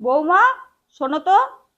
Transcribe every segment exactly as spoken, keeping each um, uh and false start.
বৌমা, শোনো তো।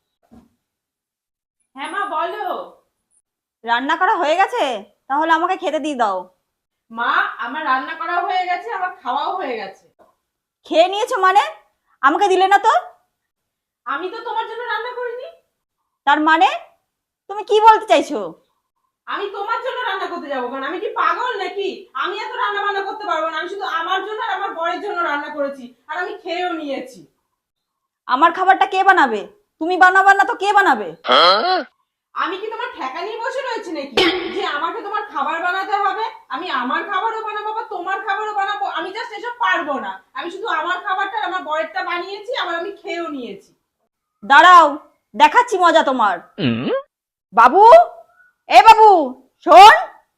হ্যাঁ মা বলো। রান্না করা হয়ে গেছে? তাহলে আমাকে খেতে দিয়ে দাও। মা, আমার রান্না করা হয়ে গেছে, আমার খাওয়াও হয়ে গেছে। খেয়ে নিয়েছো মানে? আমাকে দিলে না তো? আমি তো তোমার জন্য রান্না করিনি। তার মানে তুমি কি বলতে চাইছো? আমি তোমার জন্য রান্না করতে যাবো কারণ আমি কি পাগল নাকি? আমি এত রান্না বান্না করতে পারবো না। আমি শুধু আমার জন্য আর আমার বরের জন্য রান্না করেছি, আর আমি খেয়েও নিয়েছি। আমার খাবারটা কে বানাবে? তুমি বানাবে না তো কে বানাবে? আমি কি তোমার ঠেকা নিয়ে বসে রয়েছি নাকি যে আমাকে তোমার খাবার বানাতে হবে? আমি আমার খাবারও বানাবো বা তোমার খাবারও বানাবো, আমি জাস্ট এসব পারবো না। আমি শুধু আমার খাবারটা আর আমার বরেরটা বানিয়েছি, আবার আমি খেয়েও নিয়েছি। দাঁড়াও, দেখাচ্ছি মজা তোমার। বাবু, এ বাবু, শোন।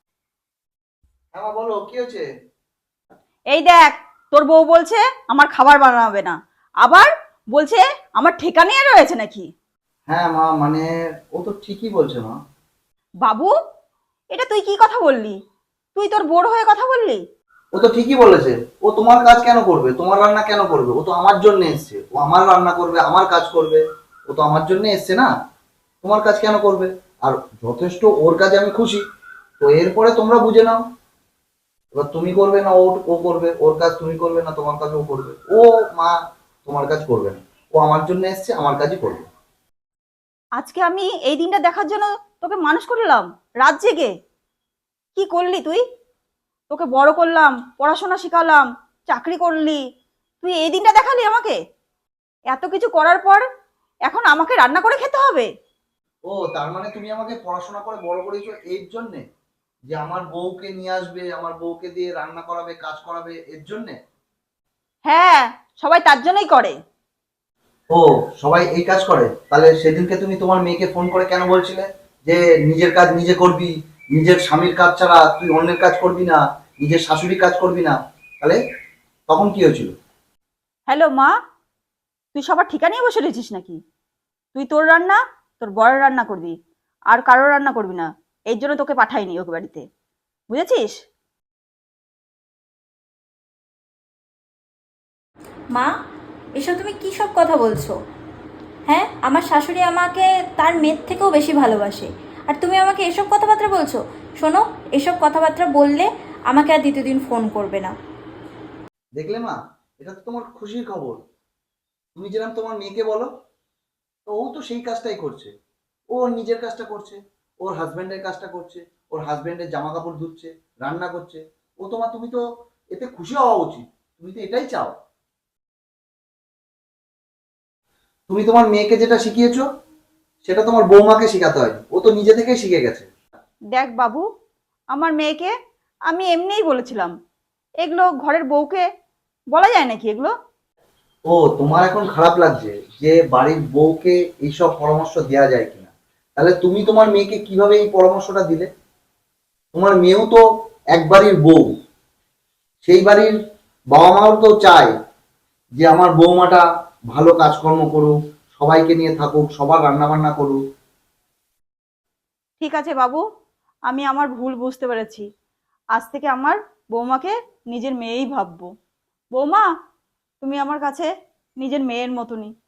হ্যাঁ মা, বলো কি হয়েছে? এই দেখ, তোর বউ বলছে আমার খাবার বানাবে না, আবার বলছে আমার ঠেকা নিয়ে রয়েছে নাকি। হ্যাঁ মা, মানে ও তো ঠিকই বলছে মা। বাবু, এটা তুই কি কথা বললি? তুই তোর বড় হয়ে কথা বললি? ও তো ঠিকই বলেছে। ও তোমার কাজ কেন করবে, তোমার রান্না কেন করবে? ও তো আমার জন্য এসছে, ও আমার রান্না করবে, আমার কাজ করবে। ও তো আমার জন্য এসছে না, তোমার কাজ কেন করবে? আর যথেষ্ট ওর কাজে আমি খুশি। তো এরপরে তোমরা বুঝে নাও, এবার তুমি করবে না ও ও করবে, ওর কাজ তুমি করবে না তোমার কাজ ও করবে। ও মা তোমার কাজ করবে না, ও আমার জন্য এসছে, আমার কাজই করবে। আজকে আমি এই দিনটা দেখার জন্য তোকে মানুষ করলাম, রাত জেগে। কি করলি তুই? তোকে বড় করলাম, পড়াশোনা শিখালাম, চাকরি করলি, তুই এই দিনটা দেখালি আমাকে? এত কিছু করার পর এখন আমাকে রান্না করে খেতে হবে? ও তার মানে তুমি আমাকে পড়াশোনা করে বড় করেছো এর জন্যে, যে আমার বউকে নিয়ে আসবে, আমার বউকে দিয়ে রান্না করাবে, কাজ করাবে, এর জন্যে? হ্যাঁ, সবাই তার জন্যই করে। ও, সবাই এই কাজ করে? তাহলে সেদিনকে তুমি তোমার মেয়েকে ফোন করে কেন বলছিলে যে নিজের কাজ নিজে করবি, নিজের স্বামীর কাজ ছাড়া তুই অন্যের কাজ করবি না, নিজের শাশুড়ি কাজ করবি না? তাহলে তখন কি হয়েছিল? হ্যালো মা, তুই সবার ঠিকা নিয়ে বসে রয়েছিস নাকি? তুই তোর রান্না, তোর বড় রান্না করবি, আর কারোর রান্না করবি না। এই জন্য তোকে পাঠাইনি ওকে বাড়িতে, বুঝেছিস? মা, এসব তুমি কী সব কথা বলছো? হ্যাঁ, আমার শাশুড়ি আমাকে তার মেয়ের থেকেও বেশি ভালোবাসে, আর তুমি আমাকে এসব কথাবার্তা বলছো? শোনো, এসব কথাবার্তা বললে আমাকে আর দ্বিতীয় দিন ফোন করবে না। দেখলে মা, এটা তো তোমার খুশির খবর। তুমি যেরকম তোমার মেয়েকে বলো, তো ও তো সেই কাজটাই করছে। ও ওর নিজের কাজটা করছে, ওর হাজবেন্ডের কাজটা করছে, ওর হাজবেন্ডের জামা কাপড় ধুচ্ছে, রান্না করছে। ও তোমার, তুমি তো এতে খুশি হওয়া উচিত। তুমি তো এটাই চাও। তুমি তোমার মেয়েকে যেটা শিখিয়েছো, সেটা তোমার বৌমাকে শেখাতে হয়। ও তো নিজে থেকেই শিখে গেছে। দেখ বাবু, আমার মেয়েকে আমি এমনিই বলেছিলাম, এগুলো ঘরের বউকে বলা যায় নাকি এগুলো? ও, তোমার এখন খারাপ লাগছে যে বাড়ির বউকে এইসব পরামর্শ দেওয়া যায় কিনা? তাহলে তুমি তোমার মেয়েকে কিভাবে এই পরামর্শটা দিলে? তোমার মেয়েও তো এক বাড়ির বউ, সেই বাড়ির বাবা মাও তো চায় যে আমার বৌমাটা ভালো কাজকর্ম করুক, সবাইকে নিয়ে থাকুক, সবার রান্না বান্না করুক। ঠিক আছে বাবু, আমি আমার ভুল বুঝতে পেরেছি। আজ থেকে আমার বৌমাকে নিজের মেয়েই ভাববো। বৌমা, তুমি আমার কাছে নিজের মেয়ের মতনই।